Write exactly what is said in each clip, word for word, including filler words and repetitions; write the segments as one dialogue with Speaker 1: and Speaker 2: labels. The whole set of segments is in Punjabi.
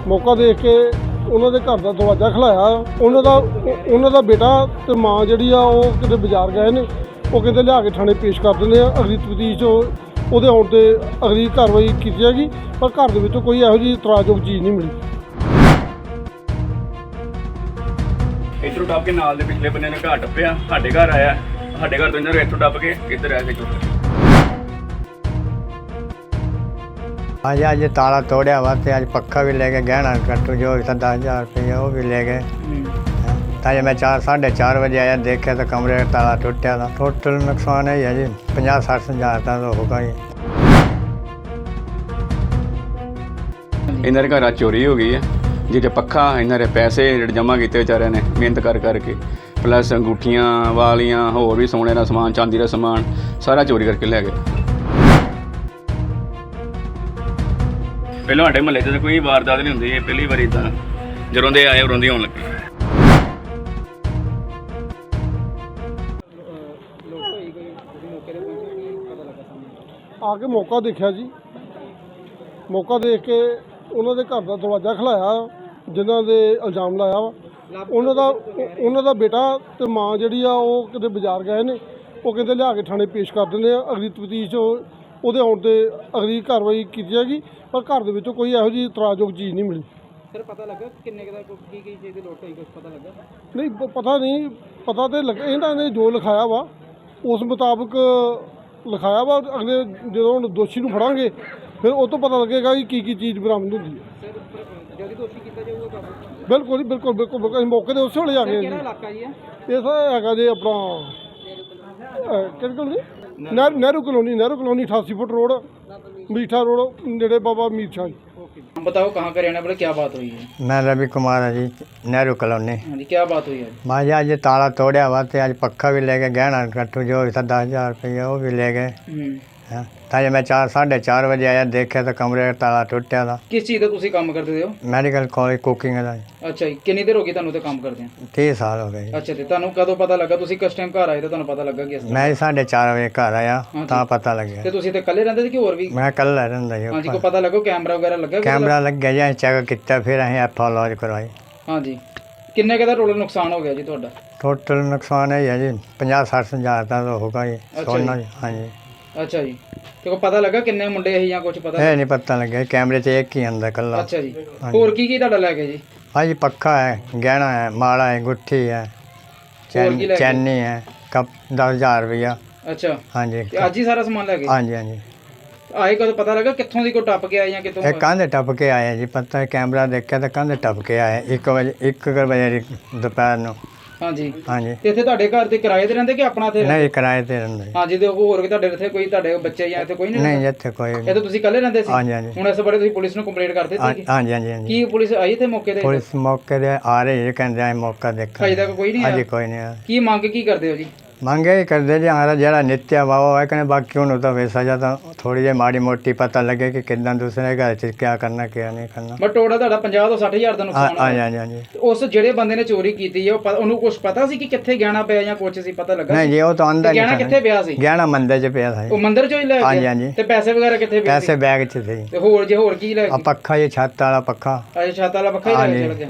Speaker 1: ਮੌਕਾ ਦੇਖ ਕੇ ਉਹਨਾਂ ਦੇ ਘਰ ਦਾ ਦਰਵਾਜ਼ਾ ਖਲਾਇਆ। ਉਹਨਾਂ ਦਾ ਉਹਨਾਂ ਦਾ ਬੇਟਾ ਤੇ ਮਾਂ ਜਿਹੜੀ ਆ ਉਹ ਕਿਤੇ ਬਾਜ਼ਾਰ ਗਏ ਨੇ। ਉਹ ਕਹਿੰਦੇ ਲਿਆ ਕੇ ਥਾਣੇ ਪੇਸ਼ ਕਰ ਦਿੰਦੇ ਆ। ਅਗਲੀ ਤਫਤੀਸ਼ ਉਹਦੇ ਆਉਣ 'ਤੇ ਅਗਲੀ ਕਾਰਵਾਈ ਕੀਤੀ ਜਾਏਗੀ। ਪਰ ਘਰ ਦੇ ਵਿੱਚੋਂ ਕੋਈ ਇਹੋ ਜਿਹੀ ਇਤਰਾਜ਼ਯੋਗ ਚੀਜ਼ ਨਹੀਂ ਮਿਲੀ।
Speaker 2: ਇੱਧਰੋਂ ਟੱਪ ਕੇ ਨਾਲ ਦੇ ਪਿਛਲੇ ਬੰਨੇ ਨੇ ਘਰ ਟੱਪਿਆ, ਸਾਡੇ ਘਰ ਆਇਆ। ਸਾਡੇ ਘਰ ਤੋਂ ਇਹਨਾਂ ਨੂੰ ਇੱਥੋਂ ਟੱਪ ਕੇ ਇੱਧਰ ਆ ਕੇ ਚੁੱਕ
Speaker 3: ਅੱਜ ਅੱਜ ਤਾਲਾ ਤੋੜਿਆ ਵਾ ਤੇ ਅੱਜ ਪੱਖਾ ਵੀ ਲੈ ਕੇ ਗਹਿਣਾ ਕੱਟੂ ਜੋ ਵੀ ਤਾਂ ਦਸ ਹਜ਼ਾਰ ਰੁਪਏ ਉਹ ਵੀ ਲੈ ਗਏ। ਤਾਂ ਜੇ ਮੈਂ ਚਾਰ ਸਾਢੇ ਚਾਰ ਵਜੇ ਆਇਆ ਦੇਖਿਆ ਤਾਂ ਕਮਰੇ ਦਾ ਤਾਲਾ ਟੁੱਟਿਆ ਦਾ। ਟੋਟਲ ਨੁਕਸਾਨ ਇਹ ਹੈ ਜੀ ਪੰਜਾਹ ਸੱਠ ਹਜ਼ਾਰ ਦਾ ਹੋਊਗਾ ਜੀ।
Speaker 2: ਇਹਨਾਂ ਦੇ ਘਰਾਂ ਚੋਰੀ ਹੋ ਗਈ ਹੈ, ਜਿਹਦੇ ਪੱਖਾ ਇਹਨਾਂ ਦੇ ਪੈਸੇ ਜਿਹੜੇ ਜਮ੍ਹਾਂ ਕੀਤੇ ਵਿਚਾਰਿਆਂ ਨੇ ਮਿਹਨਤ ਕਰ ਕਰਕੇ, ਪਲੱਸ ਅੰਗੂਠੀਆਂ ਵਾਲੀਆਂ ਹੋਰ ਵੀ ਸੋਨੇ ਦਾ ਸਮਾਨ ਚਾਂਦੀ ਦਾ ਸਮਾਨ ਸਾਰਾ ਚੋਰੀ ਕਰਕੇ ਲੈ ਗਏ। ਪਹਿਲਾਂ ਸਾਡੇ ਮਹੱਲੇ 'ਚ ਕੋਈ ਵਾਰਦਾਤ ਨਹੀਂ ਹੁੰਦੀ, ਇਹ ਪਹਿਲੀ ਵਾਰੀ ਤਾਂ ਜਦੋਂ ਦੇ ਆਏ ਉਦੋਂ ਦੀ ਹੋਣ ਲੱਗੀ।
Speaker 1: ਆ ਕੇ ਮੌਕਾ ਦੇਖਿਆ ਜੀ। ਮੌਕਾ ਦੇਖ ਕੇ ਉਹਨਾਂ ਦੇ ਘਰ ਦਾ ਦਰਵਾਜ਼ਾ ਖਲਾਇਆ ਜਿਨ੍ਹਾਂ ਦੇ ਇਲਜ਼ਾਮ ਲਾਇਆ ਵਾ। ਉਹਨਾਂ ਦਾ ਉਹਨਾਂ ਦਾ ਬੇਟਾ ਤੇ ਮਾਂ ਜਿਹੜੀ ਆ ਉਹ ਕਿਤੇ ਬਾਜ਼ਾਰ ਗਏ ਨੇ। ਉਹ ਕਹਿੰਦੇ ਲਿਆ ਕੇ ਥਾਣੇ ਪੇਸ਼ ਕਰ ਦਿੰਦੇ ਆ। ਅਗਲੀ ਤਫਤੀਸ਼ ਉਹਦੇ ਆਉਣ 'ਤੇ ਅਗਲੀ ਕਾਰਵਾਈ ਕੀਤੀ ਜਾਏਗੀ। ਪਰ ਘਰ ਦੇ ਵਿੱਚੋਂ ਕੋਈ ਇਹੋ ਜਿਹੀ ਇਤਰਾਜ਼ਯੋਗ ਚੀਜ਼ ਨਹੀਂ ਮਿਲੀ।
Speaker 4: ਸਰ ਪਤਾ ਲੱਗਾ ਕਿੰਨੇ ਕੁ ਦਾ ਕੀ ਕੀ ਚੀਜ਼ ਦੀ ਲੋਟ ਹੋਈ, ਕੁਛ ਪਤਾ ਲੱਗਾ?
Speaker 1: ਨਹੀਂ ਪ- ਪਤਾ ਨਹੀਂ ਪਤਾ ਤੇ ਲੱਗਾ ਇਹਨਾਂ ਨੇ ਜੋ ਲਿਖਾਇਆ ਵਾ ਉਸ ਮੁਤਾਬਕ ਲਿਖਾਇਆ ਵਾ। ਅਗਲੇ ਜਦੋਂ ਹੁਣ ਦੋਸ਼ੀ ਨੂੰ ਫੜਾਂਗੇ ਫਿਰ ਉਹ ਤੋਂ ਪਤਾ ਲੱਗੇਗਾ ਕਿ ਕੀ ਕੀ ਚੀਜ਼ ਬਰਾਮਦ ਹੁੰਦੀ ਹੈ।
Speaker 4: ਸਰ ਜਲਦੀ ਦੋਸ਼ੀ ਕੀਤਾ ਜਾਊਗਾ ਕਾਬੂ?
Speaker 1: ਬਿਲਕੁਲ ਜੀ ਬਿਲਕੁਲ ਬਿਲਕੁਲ ਬਿਲਕੁਲ। ਅਸੀਂ ਮੌਕੇ 'ਤੇ ਉਸੇ ਵੇਲੇ ਆ ਗਏ
Speaker 4: ਕਿਹੜਾ
Speaker 1: ਜੀ।
Speaker 4: ਇਲਾਕਾ ਜੀ ਹੈ?
Speaker 1: ਇਹ ਸਰ ਹੈਗਾ ਜੀ ਆਪਣਾ ਕਿਹੜੀ colony? Nehru Nehru colony Nehru colony ਅਠਾਸੀ ਫੁੱਟ ਰੋਡ ਮੀਠਾ ਰੋਡ ਨੇੜੇ ਬਾਬਾ ਮੀਰ ਸ਼ਾਹ ਜੀ।
Speaker 4: हम बताओ कहाँ का रहना वाले, क्या बात हुई है?
Speaker 3: मैं रवि कुमार है जी, नेहरू कॉलोनी।
Speaker 4: हाँ जी, क्या बात हुई है?
Speaker 3: मैं जी आज ताला तोड़िया वा ते आज पक्खा भी ले गए गहना कट्टू जो भी था दस हज़ार रुपये वो भी ले गए। ਤਾਂ ਜੇ ਮੈਂ ਚਾਰ ਸਾਢੇ ਚਾਰ ਵਜੇ ਆਇਆ ਦੇਖਿਆ ਤਾਂ ਕਮਰੇ ਦਾ ਤਾਲਾ ਟੁੱਟਿਆ ਦਾ।
Speaker 4: किस चीज़ का ਤੁਸੀਂ ਕੰਮ ਕਰਦੇ ਹੋ?
Speaker 3: ਮੈਡੀਕਲ ਕਾਲਜ ਕੁਕਿੰਗ ਦਾ।
Speaker 4: ਅੱਛਾ ਜੀ, ਕਿੰਨੀ ਦੇਰ ਹੋ ਗਈ ਤੁਹਾਨੂੰ ਤੇ ਕੰਮ ਕਰਦੇ ਆ?
Speaker 3: ਤੀਹ ਸਾਲ ਹੋ ਗਏ ਜੀ।
Speaker 4: ਅੱਛਾ ਤੇ ਤੁਹਾਨੂੰ ਕਦੋਂ ਪਤਾ ਲੱਗਾ? ਤੁਸੀਂ ਕਿਸ ਟਾਈਮ ਘਰ ਆਏ ਤਾਂ ਤੁਹਾਨੂੰ ਪਤਾ ਲੱਗਾ ਕਿ ਇਸ
Speaker 3: ਮੈਂ ਸਾਢੇ ਚਾਰ ਵਜੇ ਘਰ ਆਇਆ ਤਾਂ ਪਤਾ ਲੱਗਿਆ।
Speaker 4: ਤੇ ਤੁਸੀਂ ਤੇ ਇਕੱਲੇ ਰਹਿੰਦੇ ਸੀ ਕਿ ਹੋਰ ਵੀ?
Speaker 3: ਮੈਂ ਕੱਲਾ ਰਹਿੰਦਾ ਜੀ।
Speaker 4: ਹਾਂਜੀ, ਕੋਈ ਪਤਾ ਲੱਗਾ ਕੈਮਰਾ ਵਗੈਰਾ ਲੱਗਾ?
Speaker 3: ਕੈਮਰਾ ਲੱਗਿਆ ਜੀ, ਚੈੱਕ ਕੀਤਾ ਫਿਰ ਅਸੀਂ ਐਫ ਆਈ ਲੌਜ ਕਰਵਾਈ।
Speaker 4: ਹਾਂਜੀ, ਕਿੰਨੇ ਕੁ ਦਾ ਟੋਟਲ ਨੁਕਸਾਨ ਹੋ ਗਿਆ ਜੀ ਤੁਹਾਡਾ?
Speaker 3: ਟੋਟਲ ਨੁਕਸਾਨ ਇਹ ਹੈ ਜੀ ਪੰਜਾਹ ਸੱਠ ਹਜ਼ਾਰ ਦਾ ਹੋਊਗਾ ਜੀ ਸੋਨਾ ਜੀ। ਹਾਂਜੀ।
Speaker 4: ਅੱਛਾ ਜੀ, ਤੇ ਕੋਈ ਪਤਾ ਲੱਗਾ ਕਿੰਨੇ ਮੁੰਡੇ ਇਹ ਜਾਂ ਕੁਝ ਪਤਾ?
Speaker 3: ਇਹ ਨਹੀਂ ਪਤਾ ਲੱਗਿਆ, ਕੈਮਰੇ 'ਚ ਇੱਕ ਹੀ ਆਂਦਾ ਕੱਲਾ।
Speaker 4: ਅੱਛਾ ਜੀ, ਹੋਰ ਕੀ ਕੀ ਤੁਹਾਡਾ ਲੈ ਗਏ ਜੀ?
Speaker 3: ਹਾਂਜੀ, ਪੱਖਾ ਹੈ, ਗਹਿਣਾ ਹੈ, ਮਾਲਾ ਹੈ, ਗੁੱਠੀ ਹੈ, ਚੈਨ ਚੈਨੀ ਹੈ, ਕੱਪ ਦਸ ਹਜ਼ਾਰ ਰੁਪਇਆ।
Speaker 4: ਅੱਛਾ,
Speaker 3: ਹਾਂਜੀ।
Speaker 4: ਤੇ ਅੱਜ ਹੀ ਸਾਰਾ ਸਮਾਨ ਲੈ ਗਏ?
Speaker 3: ਹਾਂਜੀ ਹਾਂਜੀ।
Speaker 4: ਆਏ ਕਦੋਂ ਪਤਾ ਲੱਗਾ ਕਿੱਥੋਂ ਦੀ ਕੋਈ ਟੱਪ ਕੇ ਆਏ ਜਾਂ ਕਿਤੋਂ?
Speaker 3: ਇਹ ਕੰਧ ਟੱਪ ਕੇ ਆਏ ਜੀ, ਪਤਾ ਕੈਮਰਾ ਦੇਖਿਆ ਤਾਂ ਕੰਧ ਟੱਪ ਕੇ ਆਏ ਇੱਕ ਵਜੇ ਇੱਕ ਵਜੇ ਦੁਪਹਿਰ ਨੂੰ।
Speaker 4: ਹਾਂਜੀ
Speaker 3: ਹਾਂਜੀ।
Speaker 4: ਤੇ ਇੱਥੇ ਤੁਹਾਡੇ ਘਰ ਤੇ ਕਿਰਾਏ ਤੇ ਰਹਿੰਦੇ ਕਿ ਆਪਣਾ ਇੱਥੇ?
Speaker 3: ਨਹੀਂ, ਕਿਰਾਏ ਤੇ ਰਹਿੰਦੇ।
Speaker 4: ਹਾਂਜੀ, ਤੇ ਹੋਰ ਕਿ ਤੁਹਾਡੇ ਇੱਥੇ ਕੋਈ ਤੁਹਾਡੇ ਬੱਚੇ ਜਾਂ ਇੱਥੇ ਕੋਈ ਨਹੀਂ?
Speaker 3: ਨਹੀਂ, ਇੱਥੇ ਕੋਈ
Speaker 4: ਇਹ ਤਾਂ ਤੁਸੀਂ ਇਕੱਲੇ ਰਹਿੰਦੇ ਸੀ?
Speaker 3: ਹਾਂਜੀ ਹਾਂਜੀ।
Speaker 4: ਹੁਣ ਇਸ ਬਾਰੇ ਤੁਸੀਂ ਪੁਲਿਸ ਨੂੰ ਕੰਪਲੇਂਟ ਕਰ ਦਿੱਤੀ?
Speaker 3: ਹਾਂਜੀ ਹਾਂਜੀ ਹਾਂਜੀ।
Speaker 4: ਕੀ ਪੁਲਿਸ ਆਈ ਇੱਥੇ ਮੌਕੇ ਤੇ?
Speaker 3: ਪੁਲਿਸ ਮੌਕੇ ਤੇ ਆ ਰਹੀ ਹੈ, ਕਹਿੰਦੇ ਆ ਮੌਕਾ ਦੇਖਾਂ।
Speaker 4: ਅਜੇ ਤੱਕ ਕੋਈ ਨਹੀਂ
Speaker 3: ਹਾਂਜੀ,
Speaker 4: ਆਇਆ?
Speaker 3: ਕੋਈ ਨਹੀਂ ਆਇਆ।
Speaker 4: ਕੀ ਮੰਗ ਕੀ ਕਰਦੇ ਹੋ ਜੀ?
Speaker 3: ਮੰਗੇ ਹੀ ਕਰਦੇ ਜੀ ਹਮਾਰਾ ਜਿਹੜਾ ਨਿੱਤਿਆ ਵਾ ਉਹ ਹੈ ਕਹਿੰਦੇ, ਬਾਕੀ ਉਹਨੂੰ ਤਾਂ ਵੈਸਾ ਜਾਂ ਤਾਂ ਥੋੜੀ ਜਿਹੀ ਮਾੜੀ ਮੋਟੀ ਪਤਾ ਲੱਗੇ ਕਿ ਕਿੱਦਾਂ ਦੂਸਰੇ ਘਰ 'ਚ ਕੀ ਕਰਨਾ ਕੀ ਨਹੀਂ ਕਰਨਾ।
Speaker 4: ਬਟ ਟੋਟਲ ਤੁਹਾਡਾ ਪੰਜਾਹ ਤੋਂ ਸੱਠ ਹਜ਼ਾਰ ਦਾ ਨੁਕਸਾਨ
Speaker 3: ਹਾਂਜੀ
Speaker 4: ਹੋਇਆ।
Speaker 3: ਹਾਂਜੀ ਹਾਂਜੀ।
Speaker 4: ਉਸ ਜਿਹੜੇ ਬੰਦੇ ਨੇ ਚੋਰੀ ਕੀਤੀ ਹੈ ਉਹ ਪ- ਉਹਨੂੰ ਕੁਝ ਪਤਾ ਸੀ ਕਿ ਕਿੱਥੇ ਗਹਿਣਾ ਪਿਆ ਜਾਂ ਕੁਝ ਸੀ ਪਤਾ ਲੱਗਾ?
Speaker 3: ਨਹੀਂ ਜੀ, ਉਹ ਤਾਂ ਆਂਦਾ
Speaker 4: ਤੇ ਗਹਿਣਾ ਕਿੱਥੇ ਪਿਆ ਸੀ?
Speaker 3: ਗਹਿਣਾ ਮੰਦਰ 'ਚ ਪਿਆ ਸੀ।
Speaker 4: ਉਹ ਮੰਦਿਰ ਚੋਂ ਹੀ ਲੈ
Speaker 3: ਹਾਂਜੀ
Speaker 4: ਗਿਆ?
Speaker 3: ਹਾਂਜੀ।
Speaker 4: ਤੇ ਪੈਸੇ ਵਗੈਰਾ ਕਿੱਥੇ ਪਏ ਸੀ?
Speaker 3: ਪੈਸੇ ਬੈਗ 'ਚ ਸੀ।
Speaker 4: ਤੇ ਹੋਰ ਜੇ ਹੋਰ ਕੀ ਲੈ
Speaker 3: ਆ
Speaker 4: ਗਏ?
Speaker 3: ਪੱਖਾ ਜੀ, ਛੱਤ ਵਾਲਾ ਪੱਖਾ।
Speaker 4: ਅੱਛਾ, ਛੱਤ ਵਾਲਾ ਪੱਖਾ ਹੀ ਲੈ ਕੇ
Speaker 3: ਹਾਂਜੀ।
Speaker 4: ਚਲ ਗਿਆ।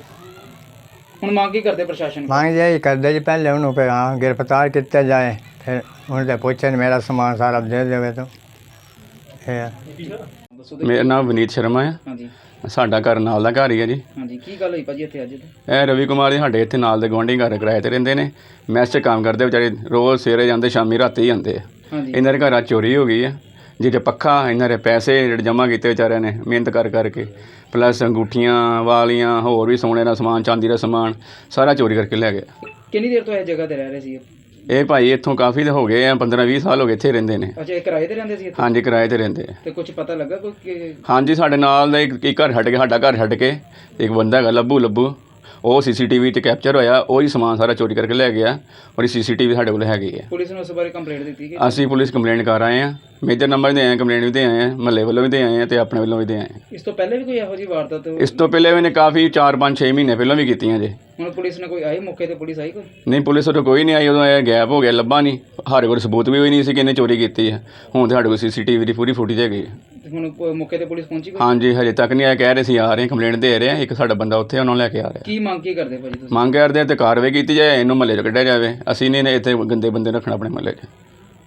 Speaker 4: ਹੁਣ ਮੰਗ ਕੀ ਕਰਦੇ ਪ੍ਰਸ਼ਾਸਨ?
Speaker 3: ਮੰਗ ਜੀ ਕਰਦੇ ਜੀ ਪਹਿਲੇ ਉਹਨੂੰ ਕਿ ਹਾਂ ਗ੍ਰਿਫਤਾਰ ਕੀਤਾ ਜਾਏ, ਫਿਰ ਉਹਨੂੰ ਤੇ ਪੁੱਛਣ ਮੇਰਾ ਸਮਾਨ ਸਾਰਾ ਦੇ ਦੇਵੇ ਤਾਂ ਇਹ।
Speaker 4: ਦੱਸੋ ਤੇ।
Speaker 2: ਮੇਰਾ ਨਾਮ ਵਿਨੀਤ ਸ਼ਰਮਾ ਹੈ।
Speaker 4: ਹਾਂਜੀ
Speaker 2: ਸਾਡਾ ਘਰ ਨਾਲ ਦਾ ਘਰ ਹੀ ਹੈ ਜੀ।
Speaker 4: ਹਾਂਜੀ, ਕੀ ਗੱਲ ਹੋਈ ਭਾਜੀ ਇੱਥੇ ਅੱਜ?
Speaker 2: ਇਹ ਰਵੀ ਕੁਮਾਰ ਜੀ ਸਾਡੇ ਇੱਥੇ ਨਾਲ ਦੇ ਗੁਆਂਢੀ ਘਰ ਕਿਰਾਏ ਤੇ ਰਹਿੰਦੇ ਨੇ। ਮੈਸ 'ਚ ਕੰਮ ਕਰਦੇ ਵਿਚਾਰੇ, ਰੋਜ਼ ਸਵੇਰੇ ਜਾਂਦੇ ਸ਼ਾਮੀ ਰਾਤੀ ਜਾਂਦੇ ਆ।
Speaker 4: ਹਾਂਜੀ।
Speaker 2: ਇਹਨਾਂ ਦੇ ਘਰਾਂ ਚੋਰੀ ਹੋ ਗਈ ਹੈ, ਜਿਹਦੇ ਪੱਖਾ ਇਹਨਾਂ ਦੇ ਪੈਸੇ ਜਿਹੜੇ ਜਮ੍ਹਾਂ ਕੀਤੇ ਵਿਚਾਰਿਆਂ ਨੇ ਮਿਹਨਤ ਕਰ ਕਰਕੇ, ਪਲੱਸ ਅੰਗੂਠੀਆਂ ਵਾਲੀਆਂ ਹੋਰ ਵੀ ਸੋਨੇ ਦਾ ਸਮਾਨ ਚਾਂਦੀ ਦਾ ਸਮਾਨ ਸਾਰਾ ਚੋਰੀ ਕਰਕੇ ਲੈ ਗਏ।
Speaker 4: ਕਿੰਨੀ ਦੇਰ ਤੋਂ ਇਹ ਜਗ੍ਹਾ ਤੇ ਰਹਿ ਰਹੇ ਸੀ?
Speaker 2: ਇਹ ਭਾਈ ਇੱਥੋਂ ਕਾਫੀ ਦੇ ਹੋ ਗਏ ਆ, ਪੰਦਰਾਂ ਵੀਹ ਸਾਲ ਹੋ ਗਏ ਇੱਥੇ ਰਹਿੰਦੇ ਨੇ।
Speaker 4: ਅੱਛਾ, ਇਹ ਕਿਰਾਏ ਤੇ ਰਹਿੰਦੇ ਸੀ ਇੱਥੇ?
Speaker 2: ਹਾਂਜੀ, ਕਿਰਾਏ ਤੇ ਰਹਿੰਦੇ ਆ।
Speaker 4: ਤੇ ਕੁਝ ਪਤਾ ਲੱਗਾ ਕੋਈ ਕਿ-
Speaker 2: ਹਾਂਜੀ, ਸਾਡੇ ਨਾਲ ਦਾ ਇੱਕ ਇੱਕ ਘਰ ਛੱਡ ਕੇ, ਸਾਡਾ ਘਰ ਛੱਡ ਕੇ ਇੱਕ ਬੰਦਾ ਹੈਗਾ ਲੱਭੂ ਲੱਭੂ, ਉਹ ਸੀ ਸੀ ਟੀ ਵੀ 'ਚ ਕੈਪਚਰ ਹੋਇਆ, ਉਹ ਹੀ ਸਮਾਨ ਸਾਰਾ ਚੋਰੀ ਕਰਕੇ ਲੈ ਗਿਆ। ਔਰ ਸੀ ਸੀ ਟੀ ਵੀ ਸਾਡੇ ਕੋਲ ਹੈਗੀ ਹੈ।
Speaker 4: ਪੁਲਿਸ ਨੂੰ ਉਸ ਬਾਰੇ ਕੰਪਲੇਂਟ ਦਿੱਤੀ ਕਿ?
Speaker 2: ਅਸੀਂ ਪੁਲਿਸ ਕੰਪਲੇਂਟ ਕਰ ਆਏ ਹਾਂ, ਮੇਜਰ ਨੰਬਰ ਦੇ ਆਏ ਹਾਂ, ਕੰਪਲੇਂਟ ਵੀ ਦੇ ਆਏ ਹਾਂ, ਮਹੱਲੇ ਵੱਲੋਂ ਵੀ ਦੇ ਆਏ ਹਾਂ ਤੇ ਆਪਣੇ ਵੱਲੋਂ ਵੀ ਦੇ ਆਏ ਹਾਂ।
Speaker 4: ਇਸ ਤੋਂ ਪਹਿਲੇ ਵੀ ਕੋਈ ਇਹੋ ਜਿਹੀ ਵਾਰਦਾਤ?
Speaker 2: ਇਸ ਤੋਂ ਪਹਿਲੇ ਵੀ ਨੇ ਕਾਫੀ ਚਾਰ ਪੰਜ ਛੇ ਮਹੀਨੇ ਪਹਿਲਾਂ ਵੀ ਕੀਤੀਆਂ ਜੇ।
Speaker 4: ਹੁਣ ਪੁਲਿਸ ਨੇ ਕੋਈ ਆਈ ਮੌਕੇ ਤੇ, ਪੁਲਿਸ ਆਈ ਕੋਈ?
Speaker 2: ਨਹੀਂ, ਪੁਲਿਸ ਉਦੋਂ ਕੋਈ ਨਹੀਂ ਆਈ। ਉਦੋਂ ਇਹ ਗੈਪ ਹੋ ਗਿਆ, ਲੱਭਾ ਨਹੀਂ। ਸਾਡੇ ਕੋਲ ਸਬੂਤ ਵੀ ਹੋਈ ਨਹੀਂ ਸੀ ਕਿ ਇਹਨੇ ਚੋਰੀ ਕੀਤੀ ਹੈ। ਹੁਣ ਤਾਂ ਸਾਡੇ ਕੋਲ ਸੀ ਸੀ ਟੀ ਵੀ ਦੀ ਪੂਰੀ ਫੁਟੇਜ ਹੈਗੀ ਹੈ।
Speaker 4: ਤੇ ਹੁਣ ਪ- ਮੌਕੇ ਤੇ ਪੁਲਿਸ ਪਹੁੰਚੀ ਕੋਈ?
Speaker 2: ਹਾਂਜੀ, ਹਜੇ ਤੱਕ ਨਹੀਂ ਆਇਆ। ਕਹਿ ਰਹੇ ਸੀ ਆ ਰਹੇ, ਕੰਪਲੇਂਟ ਦੇ ਰਹੇ ਆ। ਇੱਕ ਸਾਡਾ ਬੰਦਾ ਉੱਥੇ ਉਹਨਾਂ ਨੂੰ ਲੈ ਕੇ ਆ ਰਿਹਾ।
Speaker 4: ਕੀ ਮੰਗ ਕੀ ਕਰਦੇ ਭਾਜੀ ਤੁਸੀਂ?
Speaker 2: ਮੰਗ ਕਰਦੇ ਆ ਤੇ ਕਾਰਵਾਈ ਕੀਤੀ ਜਾਏ, ਇਹਨੂੰ ਮਹੱਲੇ 'ਚ ਕੱਢਿਆ ਜਾਵੇ। ਅਸੀਂ ਨਹੀਂ ਇੱਥੇ ਗੰਦੇ ਬੰਦੇ ਰੱਖਣਾ ਆਪਣੇ ਮਹੱਲੇ 'ਚ।